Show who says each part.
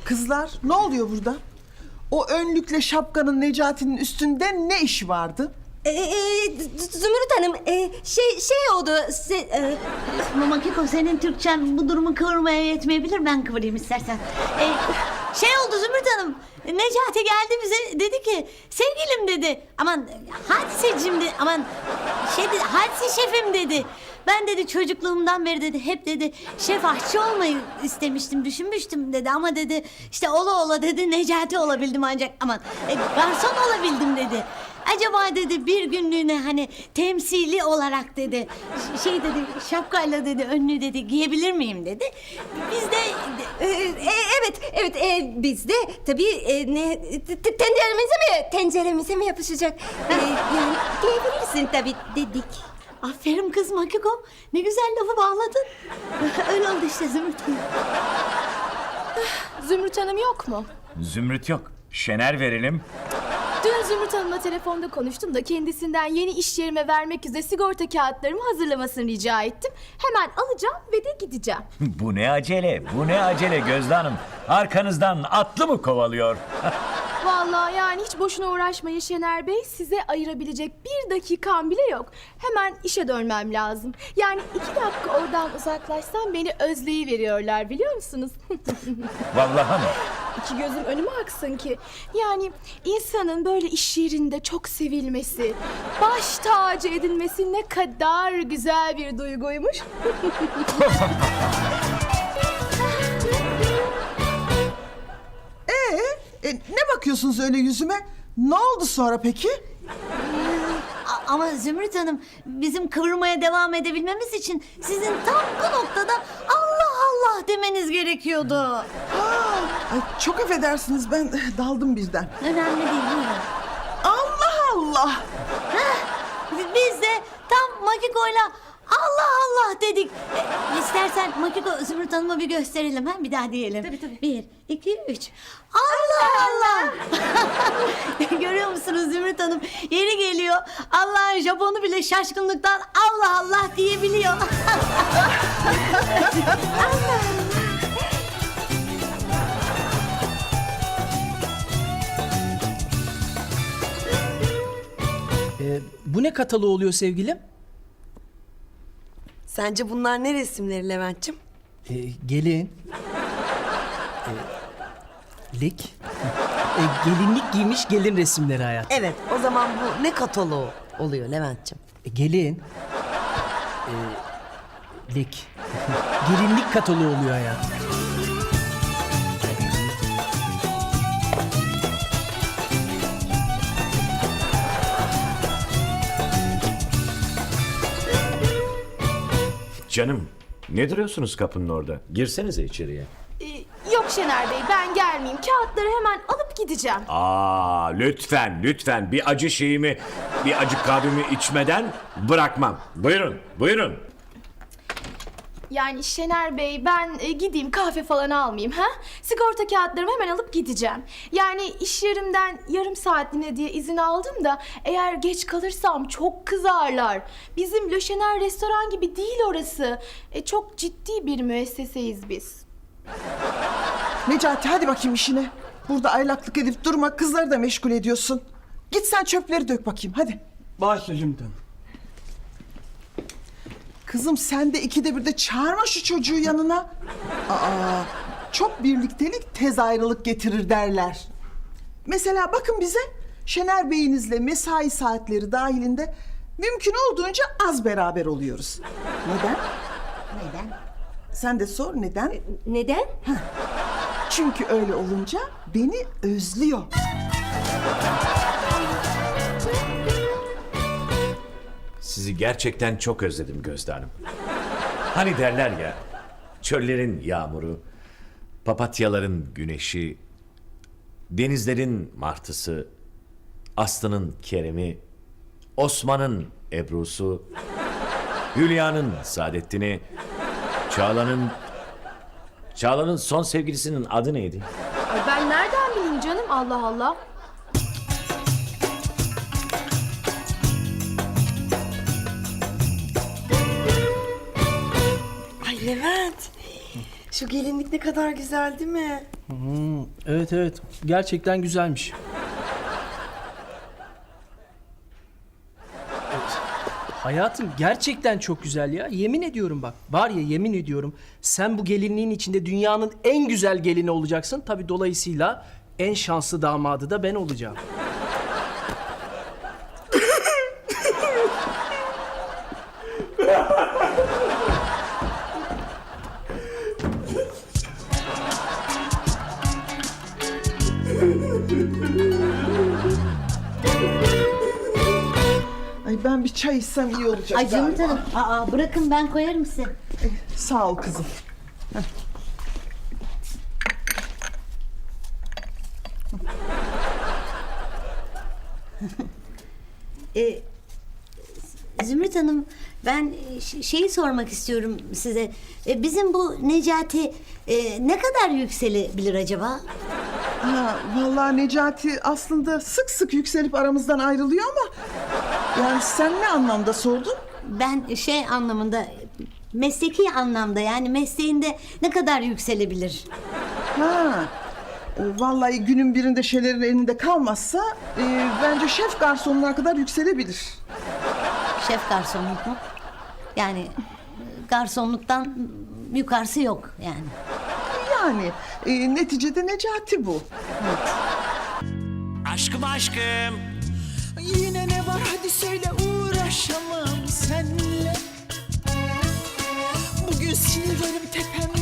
Speaker 1: Kızlar, ne oluyor burada? O önlükle şapkanın Necati'nin üstünde ne işi vardı?
Speaker 2: Zümrüt Hanım, şey oldu.
Speaker 3: Makiko, senin Türkçen bu durumu kıvırmaya yetmeyebilir. Ben kıvırayım istersen. Şey oldu Zümrüt Hanım. Necati geldi bize, dedi ki sevgilim dedi. Aman Hadiseciğim dedi. Aman Hadise şefim dedi. Ben dedi çocukluğumdan beri dedi hep dedi şef aşçı olmayı istemiştim, düşünmüştüm dedi. Ama dedi işte ola ola dedi Necati olabildim ancak aman garson olabildim dedi. Acaba dedi bir günlüğüne hani temsili olarak dedi şey dedi şapkayla dedi önlüğü dedi giyebilir miyim dedi. Biz de
Speaker 2: Evet, biz de tabii tenceremize mi yapışacak? Yani giyebilirsin tabii dedik.
Speaker 3: aferin kız Makiko, ne güzel lafı bağladın. Öyle oldu işte Zümrüt Hanım.
Speaker 4: Zümrüt Hanım yok mu?
Speaker 5: Zümrüt yok. Şener verelim.
Speaker 4: Dün Zümrüt Hanım'la telefonda konuştum da kendisinden yeni iş yerime vermek üzere sigorta kağıtlarımı hazırlamasını rica ettim. Hemen alacağım ve de gideceğim.
Speaker 5: Bu ne acele, bu ne acele Gözde Hanım. Arkanızdan atlı mı kovalıyor?
Speaker 4: Vallahi yani hiç boşuna uğraşmayın Şener Bey. Size ayırabilecek bir dakikam bile yok. Hemen işe dönmem lazım. Yani 2 dakika oradan uzaklaşsam beni özleyiveriyorlar biliyor musunuz?
Speaker 5: Vallahi mı?
Speaker 4: İki gözüm önüme aksın ki. Yani insanın böyle iş yerinde çok sevilmesi, baş tacı edilmesi ne kadar güzel bir duyguymuş.
Speaker 1: Ne bakıyorsunuz öyle yüzüme? Ne oldu sonra peki?
Speaker 3: Ama Zümrüt Hanım, bizim kıvırmaya devam edebilmemiz için sizin tam bu noktada Allah Allah demeniz gerekiyordu.
Speaker 1: Ay, çok affedersiniz, ben daldım birden.
Speaker 3: Önemli değil, buyurun.
Speaker 1: Allah Allah!
Speaker 3: Biz de tam Makiko'yla Allah Allah dedik. İstersen Makiko Zümrüt Hanım'a bir gösterelim, ha? Bir daha diyelim. Tabii. 1, 2, 3. Allah Allah! Görüyor musunuz Zümrüt Hanım? Yeri geliyor. Allah'ın Japonu bile şaşkınlıktan Allah Allah diyebiliyor.
Speaker 6: Bu ne kataloğu oluyor sevgilim?
Speaker 2: Sence bunlar ne resimleri Levent'ciğim?
Speaker 6: Gelin. Lik. Gelinlik giymiş gelin resimleri hayat.
Speaker 2: Evet, o zaman bu ne kataloğu oluyor Levent'ciğim?
Speaker 6: Gelin. Lik. Gelinlik kataloğu oluyor hayat.
Speaker 7: Canım, ne duruyorsunuz kapının orada? Girsenize içeriye.
Speaker 4: Yok Şener Bey, ben gelmeyeyim. Kağıtları hemen alıp gideceğim.
Speaker 7: Aa, lütfen bir acı şeyimi, bir acı kahvemi içmeden bırakmam. Buyurun.
Speaker 4: Yani Şener Bey, ben gideyim kahve falan almayayım ha? Sigorta kağıtlarımı hemen alıp gideceğim. Yani iş yerimden yarım saatliğine diye izin aldım da eğer geç kalırsam çok kızarlar. Bizim Le Şener restoran gibi değil orası. Çok ciddi bir müesseseyiz biz.
Speaker 1: Necati, hadi bakayım işine. Burada aylaklık edip durma, kızları da meşgul ediyorsun. Git sen çöpleri dök bakayım, hadi.
Speaker 6: Başla Zümrüt Hanım.
Speaker 1: Kızım, sen de 2'de 1'de çağırma şu çocuğu yanına. Aa, çok birliktelik tez ayrılık getirir derler. Mesela bakın bize, Şener Bey'inizle mesai saatleri dahilinde mümkün olduğunca az beraber oluyoruz. Neden? Sen de sor neden?
Speaker 2: Neden?
Speaker 1: Çünkü öyle olunca beni özlüyor.
Speaker 7: Sizi gerçekten çok özledim Gözde Hanım. Hani derler ya, çöllerin yağmuru, papatyaların güneşi, denizlerin martısı, Aslı'nın Kerem'i, Osman'ın Ebru'su, Hülya'nın Saadettin'i, Çağla'nın son sevgilisinin adı neydi?
Speaker 4: Ay ben nereden bileyim canım, Allah Allah.
Speaker 2: Ay Levent,
Speaker 8: Şu gelinlik ne kadar güzel değil mi?
Speaker 6: Evet evet, gerçekten güzelmiş. Evet. Hayatım gerçekten çok güzel ya. Yemin ediyorum bak. Var ya, yemin ediyorum. Sen bu gelinliğin içinde dünyanın en güzel gelini olacaksın. Tabii dolayısıyla en şanslı damadı da ben olacağım.
Speaker 1: Ay ben bir çay içsem iyi olacak
Speaker 3: Ay Zümrüt
Speaker 1: galiba.
Speaker 3: Hanım, bırakın ben koyarım size.
Speaker 1: Sağ ol kızım.
Speaker 3: Zümrüt Hanım, ben şeyi sormak istiyorum size. Bizim bu Necati ne kadar yükselebilir acaba?
Speaker 1: Ha, vallahi Necati aslında sık sık yükselip aramızdan ayrılıyor ama... Yani sen ne anlamda sordun?
Speaker 3: Ben şey anlamında, mesleki anlamda, yani mesleğinde ne kadar yükselebilir?
Speaker 1: Ha, vallahi günün birinde şeylerin elinde kalmazsa... bence şef garsonuna kadar yükselebilir.
Speaker 3: Şef garsonluk mu? Yani garsonluktan yukarısı yok yani.
Speaker 1: Yani neticede Necati bu.
Speaker 9: Aşkım aşkım.
Speaker 10: Yine ne var hadi söyle, uğraşamam senle. Bugün sinirlerim tepemde.